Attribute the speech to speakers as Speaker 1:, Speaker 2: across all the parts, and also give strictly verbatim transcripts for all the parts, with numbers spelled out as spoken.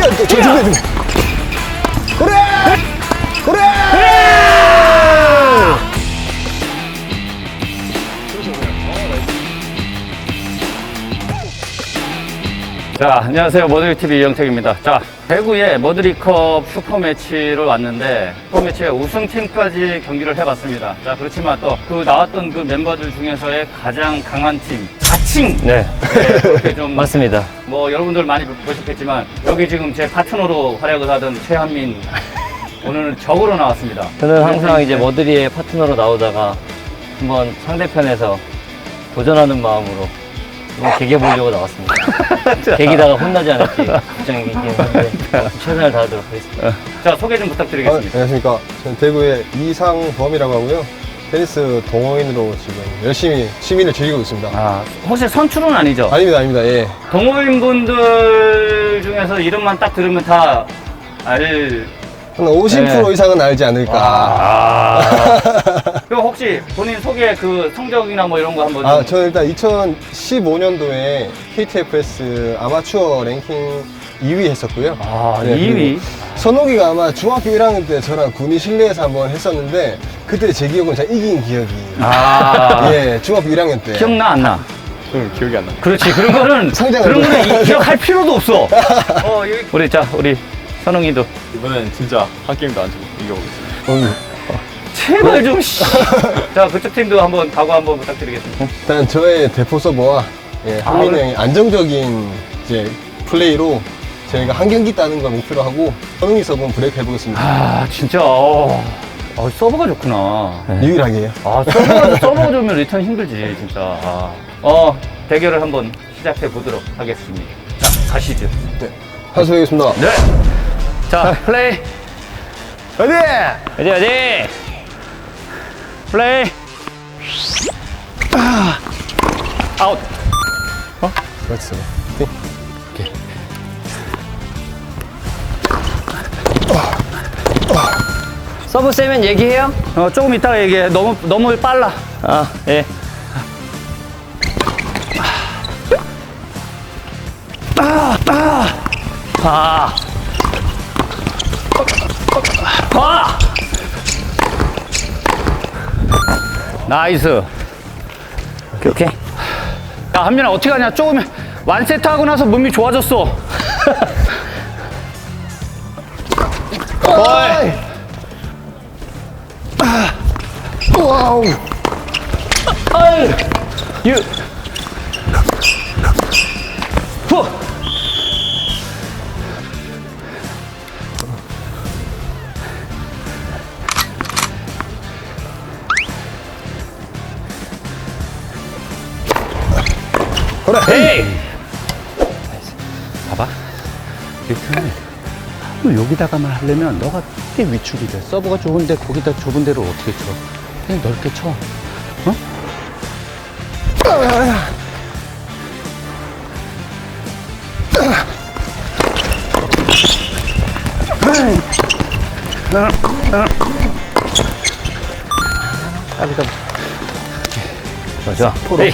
Speaker 1: 뛰어, 저 준비해, 준비. 그래! 그래!
Speaker 2: 자, 안녕하세요. 머드리티비 이영택입니다. 자, 대구에 머드리컵 슈퍼매치를 왔는데 슈퍼매치의 우승팀까지 경기를 해봤습니다. 자, 그렇지만 또 그 나왔던 그 멤버들 중에서의 가장 강한 팀 자칭!
Speaker 3: 네,
Speaker 2: 네, 그렇게 좀
Speaker 3: 맞습니다.
Speaker 2: 뭐 여러분들 많이 보셨겠지만 여기 지금 제 파트너로 활약을 하던 최한민 오늘은 적으로 나왔습니다.
Speaker 3: 저는 항상 이제 머드리의 파트너로 나오다가 한번 상대편에서 도전하는 마음으로 한번 개겨보려고 나왔습니다. 개기다가 혼나지 않을지 걱정이긴 한데 최선을 다하도록 하겠습니다.
Speaker 2: 자, 소개 좀
Speaker 1: 아,
Speaker 2: 부탁드리겠습니다.
Speaker 1: 안녕하십니까. 저는 대구의 이상범이라고 하고요. 테니스 동호인으로 지금 열심히 취미를 즐기고 있습니다.
Speaker 2: 아, 혹시 선출은 아니죠?
Speaker 1: 아닙니다, 아닙니다. 예.
Speaker 2: 동호인분들 중에서 이름만 딱 들으면 다 알.
Speaker 1: 한 오십 퍼센트
Speaker 2: 네.
Speaker 1: 이상은 알지 않을까.
Speaker 2: 아. 그럼 혹시 본인 소개 그 성적이나 뭐 이런 거 한번.
Speaker 1: 아,
Speaker 2: 좀-
Speaker 1: 저는 일단 이천십오 년도에 케이티에프에스 아마추어 랭킹 이 위 했었고요.
Speaker 2: 아,
Speaker 1: 네,
Speaker 2: 이 위?
Speaker 1: 그리고 선옥이가 아마 중학교 일 학년 때 저랑 군의 실내에서 한번 했었는데 그때 제 기억은 제가 이긴 기억이.
Speaker 2: 아.
Speaker 1: 예, 중학교 일 학년 때.
Speaker 2: 기억나, 안 나?
Speaker 1: 응, 기억이 안 나.
Speaker 2: 그렇지. 그런 거는.
Speaker 1: 성장을
Speaker 2: 그런 거는
Speaker 1: 좀-
Speaker 2: 이- 기억할 필요도 없어. 어, 여기. 우리, 자, 우리 선웅이도.
Speaker 4: 이번엔 진짜 한 게임도 안 지고 이겨보겠습니다.
Speaker 1: 응.
Speaker 2: 제발 좀, 씨. 자, 그쪽 팀도 한번 각오 한번 부탁드리겠습니다.
Speaker 1: 일단 저의 대포 서버와 예,
Speaker 2: 아,
Speaker 1: 한민이
Speaker 2: 그래?
Speaker 1: 형의 안정적인 이제 플레이로 저희가 한 경기 따는 걸 목표로 하고 선웅이 서버는 브레이크 해보겠습니다.
Speaker 2: 아, 진짜. 어, 어 서버가 좋구나.
Speaker 1: 유일하게 해요.
Speaker 2: 아, 서버가, 서버가 좋으면 리턴 힘들지, 진짜. 아. 어, 대결을 한번 시작해 보도록 하겠습니다. 자, 가시죠.
Speaker 1: 네. 하수하겠습니다.
Speaker 2: 네. 자, 플레이.
Speaker 1: 어디?
Speaker 3: 어디 어디?
Speaker 2: 플레이. 아. 아웃.
Speaker 1: 그렇죠.
Speaker 3: 서브 세면 얘기해요?
Speaker 2: 어, 조금 이따가 얘기해. 너무, 너무 빨라.
Speaker 3: 아, 예.
Speaker 2: 아. 아. 나이스.
Speaker 3: 오케이, 오케이.
Speaker 2: 야, 한민아, 어떻게 하냐? 조금 완세트 하고 나서 몸이 좋아졌어.
Speaker 1: 어이! 와우!
Speaker 2: 유. 후.
Speaker 1: 그래!
Speaker 2: 헤이. 봐봐. 리턴을 너 여기다가만 하려면 너가 꽤 위축이 돼. 서브가 좋은데 거기다 좁은 데를 어떻게 쳐? 그냥 넓게 쳐. 어? 까비가
Speaker 3: 좋아.
Speaker 2: 포로.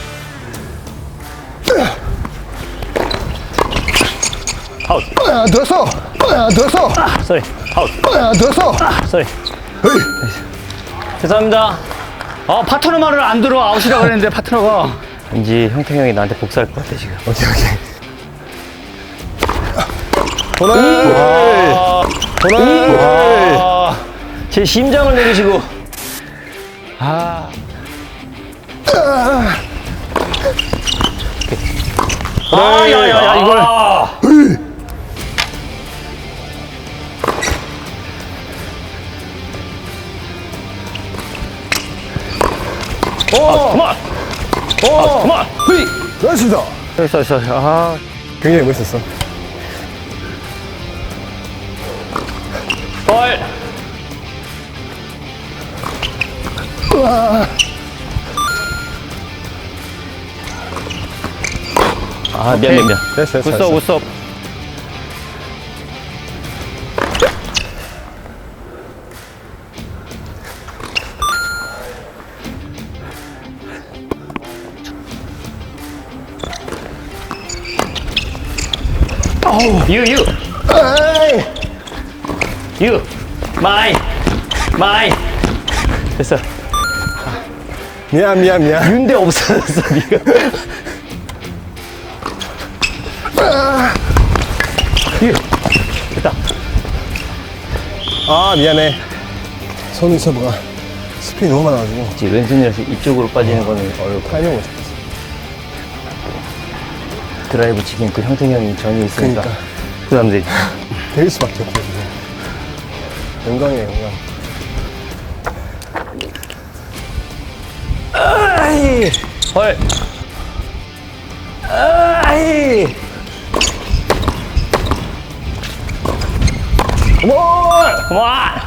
Speaker 3: 아웃.
Speaker 1: 아, 들었어! 아, 들었어!
Speaker 3: 쏘리. 아웃.
Speaker 1: 아, 들었어!
Speaker 3: 쏘리. 죄송합니다.
Speaker 2: 아, 파트너 말을 안 들어. 아웃이라고 그랬는데 파트너가.
Speaker 3: 왠지 형태 형이 나한테 복수할 것 같아 지금.
Speaker 1: 오케이, 오케이. 보내! 보내!
Speaker 3: 아, 제 심장을 내리시고.
Speaker 2: 아. 아, 야, 야, 야, 이걸.
Speaker 3: 아.
Speaker 1: 오!
Speaker 3: 그만.
Speaker 1: 오!
Speaker 3: 그만.
Speaker 1: 흐이! 그렇습니다.
Speaker 2: 있어, 있어. 아.
Speaker 1: 굉장히 멋있었어.
Speaker 3: 헐. 아, 미안, 미안, 미안.
Speaker 1: 됐어, 됐어.
Speaker 2: 굿섭, 굿섭.
Speaker 3: 유, 유.
Speaker 1: 아이.
Speaker 3: 유 마이 마이 됐어.
Speaker 1: 미안 미안 미안.
Speaker 3: 윤대 없어졌어 니가. 유 됐다.
Speaker 1: 아 미안해. 손이 서버가 스피드 너무 많아가지고
Speaker 3: 이제 왼손이라서 이쪽으로 빠지는 거는 어려워.
Speaker 1: 타이밍을 못 잡았어.
Speaker 3: 드라이브 치긴 또 형택이 형이 전이 있으니까
Speaker 1: 그러니까.
Speaker 3: 부담되지.
Speaker 1: 될 수밖에 없어 지금. 영광이에요 영광.
Speaker 3: 아이 헐. 아이 뭘 와.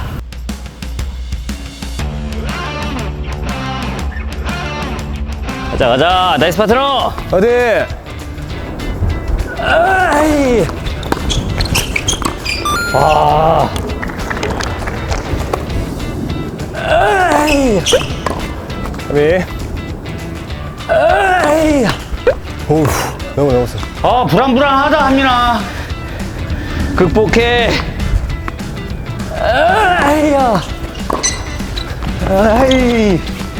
Speaker 3: 가자 가자 나이스 파트너.
Speaker 1: 어디?
Speaker 3: 아이 와. 아이
Speaker 1: 아미.
Speaker 3: 아이
Speaker 1: 오우 너무 넘었어.
Speaker 2: 아, 불안불안하다, 한민아.
Speaker 3: 극복해. 아이야. 아이.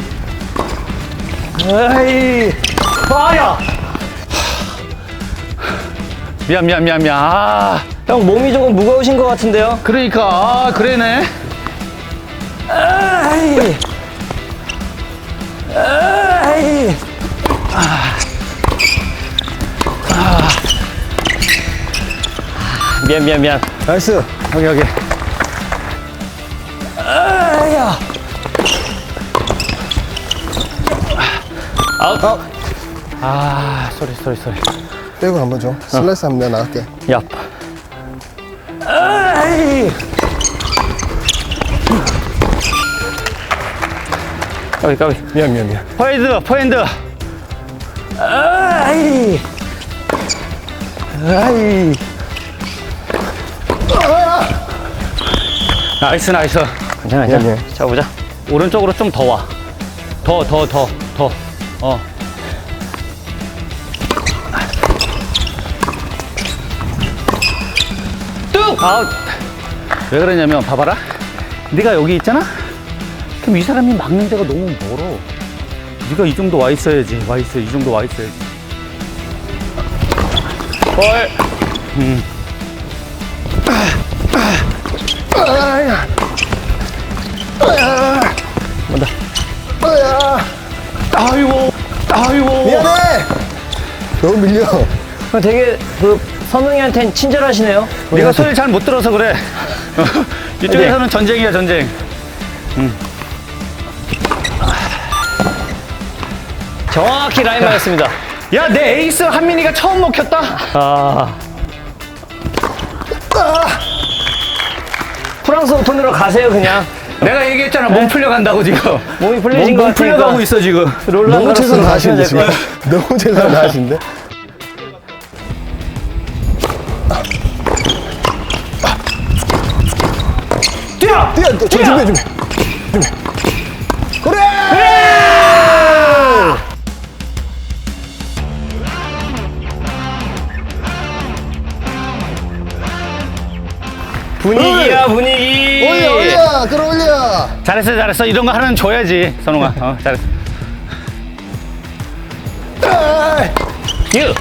Speaker 3: 아이. 아야.
Speaker 2: 미안, 미안, 미안, 미안. 아,
Speaker 3: 형 몸이 조금 무거우신 것 같은데요?
Speaker 2: 그러니까, 아, 그래네.
Speaker 3: 아이. 아이. 미안 미안 미안.
Speaker 1: 나이스.
Speaker 2: 여기, 여기.
Speaker 3: 아야. 아웃.
Speaker 1: 아웃.
Speaker 2: 아, 쏘리, 쏘리, 쏘리.
Speaker 1: 빼고 한번 줘. 슬라이스 하면 내가 나갈게.
Speaker 3: 야. 아이.
Speaker 2: 까비, 까비.
Speaker 1: 미안 미안 미안.
Speaker 2: 포핸드, 포핸드.
Speaker 3: 아이. 아이.
Speaker 2: 나이스, 나이스.
Speaker 3: 괜찮아,
Speaker 1: 미안,
Speaker 3: 괜찮아.
Speaker 1: 미안.
Speaker 3: 잡아보자.
Speaker 2: 오른쪽으로 좀 더 와. 더, 더, 더, 더. 어. 뚝! 아웃. 왜 그러냐면, 봐봐라. 네가 여기 있잖아? 그럼 이 사람이 막는 데가 너무 멀어. 네가 이 정도 와 있어야지. 와 있어. 이 정도 와 있어야지. 헐. 음.
Speaker 1: 아야.
Speaker 3: 뭔다.
Speaker 1: 아야.
Speaker 2: 아이고. 아이고.
Speaker 1: 미안해. 너무 밀려.
Speaker 3: 형 되게 그 선웅이한테는 친절하시네요.
Speaker 2: 네가 소리를 잘 못 들어서 그래. 이쪽에서는 전쟁이야, 전쟁.
Speaker 3: 정확히 라인 맞았습니다.
Speaker 2: 야, 내 에이스 한민이가 처음 먹혔다.
Speaker 3: 아. 프랑스 오픈으로 가세요 그냥.
Speaker 2: 내가 얘기했잖아, 몸 풀려간다고 지금.
Speaker 3: 몸이 풀리신
Speaker 2: 몸,
Speaker 3: 것
Speaker 2: 몸
Speaker 3: 같으니까.
Speaker 2: 풀려가고 있어 지금.
Speaker 3: 롤러
Speaker 1: 너무 최선 다하시는데
Speaker 3: 될
Speaker 1: 지금.
Speaker 3: 거야.
Speaker 1: 너무 최선 다하시는데.
Speaker 2: 뛰어!
Speaker 1: 뛰어. 저
Speaker 2: 뛰어!
Speaker 1: 준비해 준비. 준비. 그래.
Speaker 3: 분위기야 분위기.
Speaker 1: 올려 올려 끌어올려.
Speaker 2: 잘했어, 잘했어. 이런 거 하나는 줘야지, 선웅아. 어, 잘했어.
Speaker 3: 유.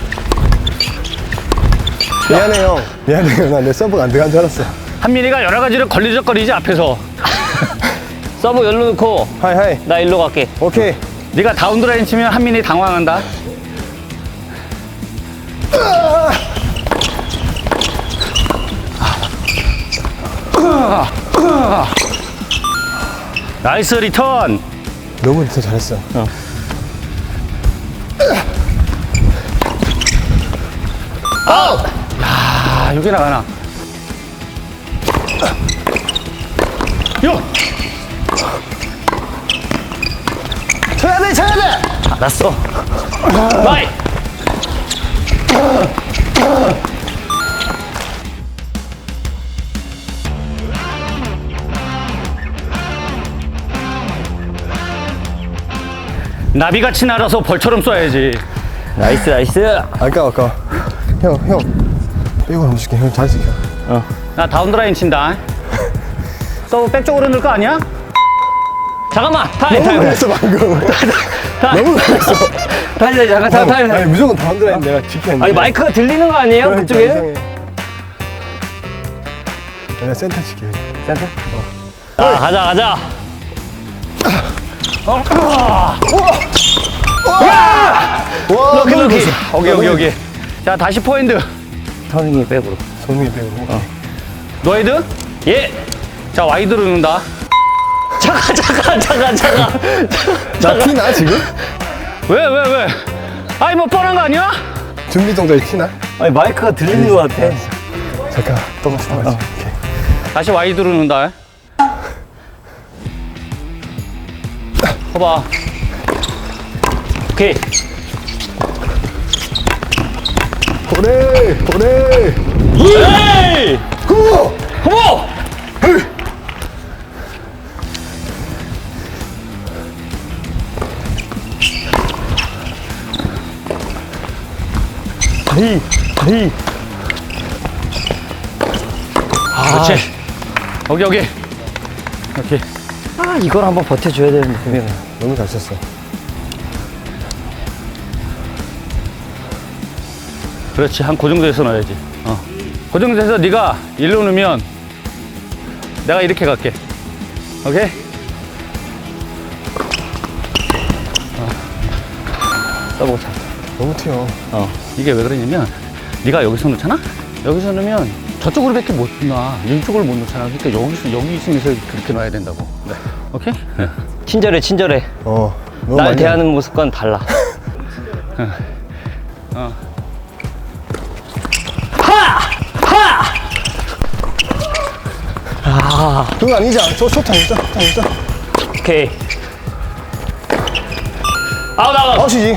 Speaker 1: 미안해 형. 미안해 형. 나 내 서브가 안 들어간 줄 알았어.
Speaker 2: 한민이가 여러 가지를 걸리적거리지 앞에서.
Speaker 3: 서브 열로 놓고
Speaker 1: 하이 하이.
Speaker 3: 나 일로 갈게.
Speaker 1: 오케이.
Speaker 2: 네가 다운드라인 치면 한민이 당황한다. 나이스 리턴.
Speaker 1: 너무 더 잘했어.
Speaker 2: 아, 여기 나가나. 요!
Speaker 1: 쳐야 돼 쳐야 돼.
Speaker 3: 알았어. 마이.
Speaker 2: 나비같이 날아서 벌처럼 쏴야지.
Speaker 3: 나이스 나이스.
Speaker 1: 아까워 아까워. 형 형. 빼고 한번 줄게. 형 잘 지켜.
Speaker 3: 어.
Speaker 2: 나 다운드라인 친다. 또 백쪽으로 넣을 거 아니야?
Speaker 3: 잠깐만! 타임,
Speaker 1: 너무
Speaker 3: 타임.
Speaker 1: 잘했어 방금. 너무 잘했어.
Speaker 3: 타임, 타임, 잠깐, 타임, 타임.
Speaker 1: 아니 무조건 다운드라인 내가 지켜야 돼.
Speaker 3: 아니, 마이크가 들리는 거 아니에요?
Speaker 1: 그러니까
Speaker 3: 그쪽에?
Speaker 1: 이상해. 내가 센터 지켜.
Speaker 3: 센터? 자, 가자, 가자.
Speaker 1: 와,
Speaker 3: 럭키, 럭키.
Speaker 2: 오케이, 오케이, 오케이. 자, 다시 포핸드.
Speaker 3: 선생님 백으로.
Speaker 1: 손흥민 빼고. 어.
Speaker 2: 노헤드?
Speaker 3: 예!
Speaker 2: 자, 와이드로 넣는다.
Speaker 3: 잠깐, 잠깐, 잠깐, 잠깐.
Speaker 1: 나 티나 지금?
Speaker 2: 왜, 왜, 왜? 아니, 뭐 뻔한 거 아니야?
Speaker 1: 준비 동작이 티나?
Speaker 3: 아니, 마이크가 들리는 것 같아.
Speaker 1: 잠깐 똑같이 똑같이. 오케이.
Speaker 2: 다시 와이드로 넣는다. 봐봐.
Speaker 3: 오케이.
Speaker 1: 보내 보내.
Speaker 3: 에이!
Speaker 1: 고!
Speaker 3: 고모!
Speaker 1: 다이 다이.
Speaker 2: 그렇지. 여기, 여기. 이렇게.
Speaker 3: 아, 이걸 한번 버텨줘야 되는데, 분명히.
Speaker 1: 너무 잘 쳤어.
Speaker 2: 그렇지. 한 그 정도에서 넣어야지. 어. 그 정도에서 네가 일로 넣으면 내가 이렇게 갈게. 오케이?
Speaker 3: 써보고 자.
Speaker 1: 너무 튀어.
Speaker 2: 어. 이게 왜 그러냐면 네가 여기서 넣잖아? 여기서 넣으면 저쪽으로밖에 못 놔. 이쪽을 못 넣잖아. 그러니까 여기서 여기 있으면서 그렇게 놔야 된다고. 네. 오케이? 네.
Speaker 3: 친절해, 친절해.
Speaker 1: 어. 너무
Speaker 3: 날
Speaker 1: 많이
Speaker 3: 대하는 모습과는 달라.
Speaker 2: 어.
Speaker 3: 아,
Speaker 1: 그거 아니지? 저 쇼트 아니죠? 쇼트 아니죠?
Speaker 3: 오케이. 아웃, 아웃.
Speaker 1: 아웃이지.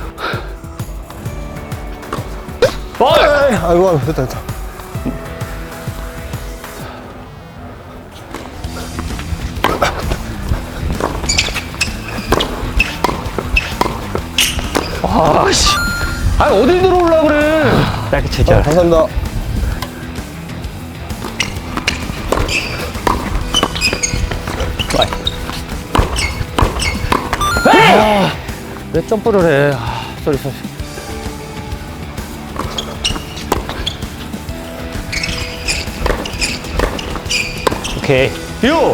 Speaker 3: 볼!
Speaker 1: 에이, 아이고 됐다 됐다.
Speaker 2: 아씨. 아니 어딜 들어오려고 그래.
Speaker 3: 짧게
Speaker 1: 아,
Speaker 3: 치자.
Speaker 1: 감사합니다.
Speaker 2: 왜 점프를 해? 아, 쏘리 쏘리.
Speaker 3: 오케이.
Speaker 2: 유.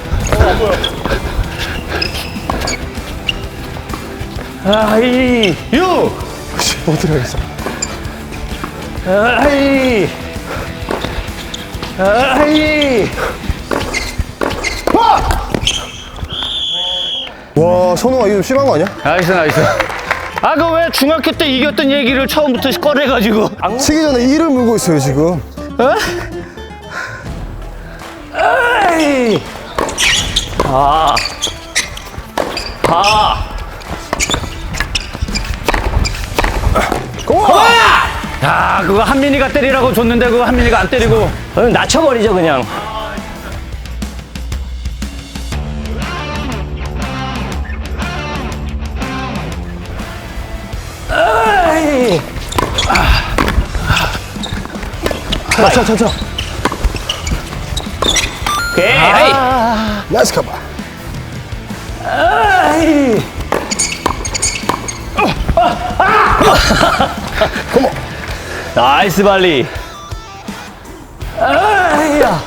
Speaker 3: 아이,
Speaker 2: 유.
Speaker 1: 못 들어가겠어.
Speaker 3: 아이, 아이.
Speaker 1: 와, 선우가 이거 좀 심한 거 아니야?
Speaker 2: 나이스 나이스. 아 그 왜 중학교 때 이겼던 얘기를 처음부터 꺼내가지고.
Speaker 1: 치기 전에 이를 물고 있어요 지금.
Speaker 2: 어?
Speaker 3: 아이. 아. 아.
Speaker 1: 고마워.
Speaker 2: 야 그거 한민이가 때리라고 줬는데 그거 한민이가 안 때리고.
Speaker 3: 그럼 낮춰버리죠, 그냥. 아이.
Speaker 1: 쳐, 쳐, 쳐.
Speaker 3: 오케이.
Speaker 2: 아.
Speaker 1: 나이스 커버.
Speaker 3: 아이.
Speaker 1: 고마워.
Speaker 3: 나이스 발리. 아이야.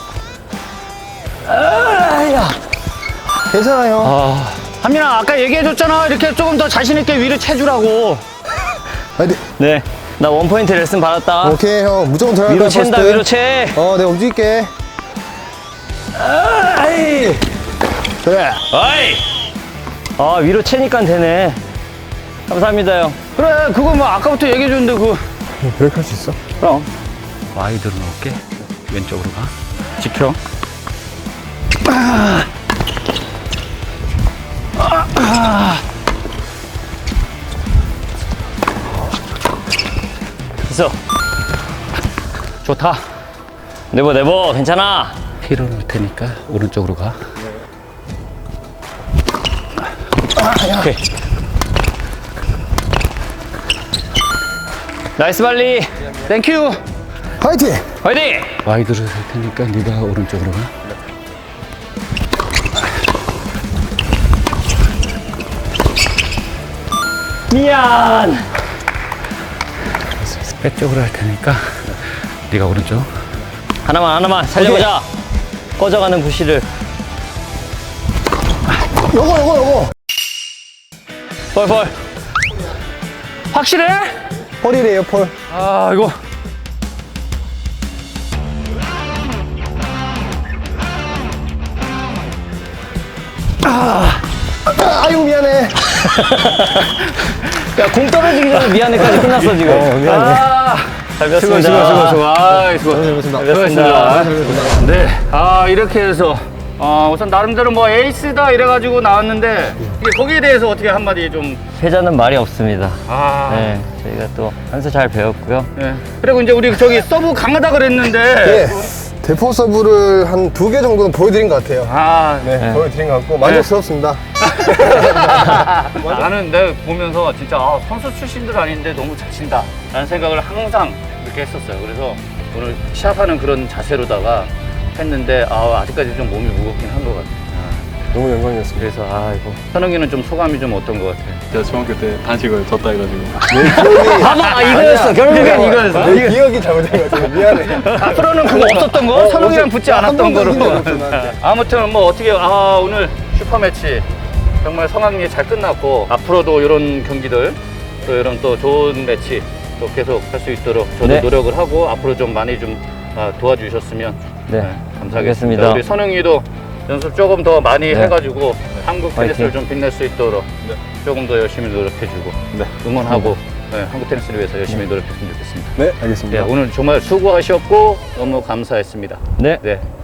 Speaker 3: 아이야.
Speaker 1: 괜찮아요.
Speaker 2: 아 한민아 아까 얘기해줬잖아 이렇게 조금 더 자신 있게 위를 채주라고.
Speaker 1: 아니,
Speaker 3: 네. 나 원포인트 레슨 받았다.
Speaker 1: 오케이 형 무조건 들어갈
Speaker 3: 위로
Speaker 1: 거야.
Speaker 3: 챈다,
Speaker 1: 퍼스트.
Speaker 3: 위로 채.
Speaker 1: 어, 내가 움직일게.
Speaker 3: 아이.
Speaker 1: 그래.
Speaker 3: 아이. 아, 위로 채니까 되네. 감사합니다, 형.
Speaker 2: 그래 그거 뭐 아까부터 얘기해줬는데 그.
Speaker 1: 그렇게 할 수 있어?
Speaker 2: 그럼. 와이드로 넣을게. 왼쪽으로 가. 지켜. 아. 아. 아.
Speaker 3: 있어.
Speaker 2: 좋다.
Speaker 3: 네버, 네버. 괜찮아.
Speaker 2: 뒤로 넣을 테니까 오른쪽으로 가.
Speaker 3: 오케이. 나이스 발리.
Speaker 2: 땡큐.
Speaker 1: 화이팅!
Speaker 2: 화이팅!
Speaker 5: 와이드를 할 테니까 네가 오른쪽으로 가.
Speaker 3: 미안.
Speaker 5: 백쪽으로 할 테니까 네가 오른쪽.
Speaker 3: 하나만 하나만 살려보자. 꺼져가는 부시를.
Speaker 1: 요거 요거 요거
Speaker 2: 펄펄. 확실해?
Speaker 1: 폴이래요 폴.
Speaker 2: 아, 이거.
Speaker 1: 아, 아유 미안해.
Speaker 3: 야, 공 떨어지기 전에 미안해까지 끝났어 지금.
Speaker 1: 어 미안해.
Speaker 2: 아,
Speaker 3: 잘
Speaker 2: 수고, 수고,
Speaker 3: 배웠습니다.
Speaker 2: 수고, 수고. 아, 수고.
Speaker 1: 잘했습니다.
Speaker 2: 수고했습니다. 네. 아, 이렇게 해서. 어, 우선 나름대로 뭐 에이스다 이래가지고 나왔는데, 이게 거기에 대해서 어떻게 한마디 좀.
Speaker 3: 패자는 말이 없습니다.
Speaker 2: 아.
Speaker 3: 네, 저희가 또 한 수 잘 배웠고요.
Speaker 2: 네. 그리고 이제 우리 저기 서브 강하다 그랬는데.
Speaker 1: 예. 대포 서브를 한 두 개 정도는 보여드린 것 같아요.
Speaker 2: 아,
Speaker 1: 네,
Speaker 3: 네.
Speaker 1: 보여드린 것 같고 만족스럽습니다.
Speaker 2: 나는 내가 보면서 진짜 아, 선수 출신들 아닌데 너무 잘 친다 라는 생각을 항상 이렇게 했었어요. 그래서 오늘 시합하는 그런 자세로다가 했는데 아, 아직까지 좀 몸이 무겁긴 한 것 같아요.
Speaker 1: 너무 영광이었습니다.
Speaker 2: 그래서 아, 이거 선웅이는 좀 소감이 좀 어떤 것 같아요?
Speaker 4: 제가 중학교 때 단식을 졌다 해가지고
Speaker 3: 봐봐, 아, 이거였어. 결국엔 이거였어.
Speaker 1: 내 기억이 잘못된 것 같아요. 미안해.
Speaker 2: 앞으로는 그거 없었던 거?
Speaker 1: 어,
Speaker 2: 선웅이랑
Speaker 1: 없어.
Speaker 2: 붙지
Speaker 1: 한
Speaker 2: 않았던
Speaker 1: 번도
Speaker 2: 거로.
Speaker 1: 이긴 적이 없어, 나한테.
Speaker 2: 아무튼 뭐 어떻게 아, 오늘 슈퍼매치 정말 성황리에 잘 끝났고 앞으로도 이런 경기들 또 이런 또 좋은 매치 또 계속 할 수 있도록 저도
Speaker 3: 네.
Speaker 2: 노력을 하고 앞으로 좀 많이 좀 아, 도와주셨으면
Speaker 3: 네,
Speaker 2: 감사하겠습니다.
Speaker 3: 알겠습니다.
Speaker 2: 우리 선웅이도 연습 조금 더 많이
Speaker 3: 네.
Speaker 2: 해가지고 한국 테니스를
Speaker 3: 화이팅.
Speaker 2: 좀 빛낼 수 있도록 조금 더 열심히 노력해주고
Speaker 4: 네.
Speaker 2: 응원하고 네, 한국 테니스를 위해서 열심히 노력했으면 좋겠습니다.
Speaker 1: 네,
Speaker 2: 네,
Speaker 1: 알겠습니다.
Speaker 2: 오늘 정말 수고하셨고 너무 감사했습니다.
Speaker 3: 네.
Speaker 2: 네,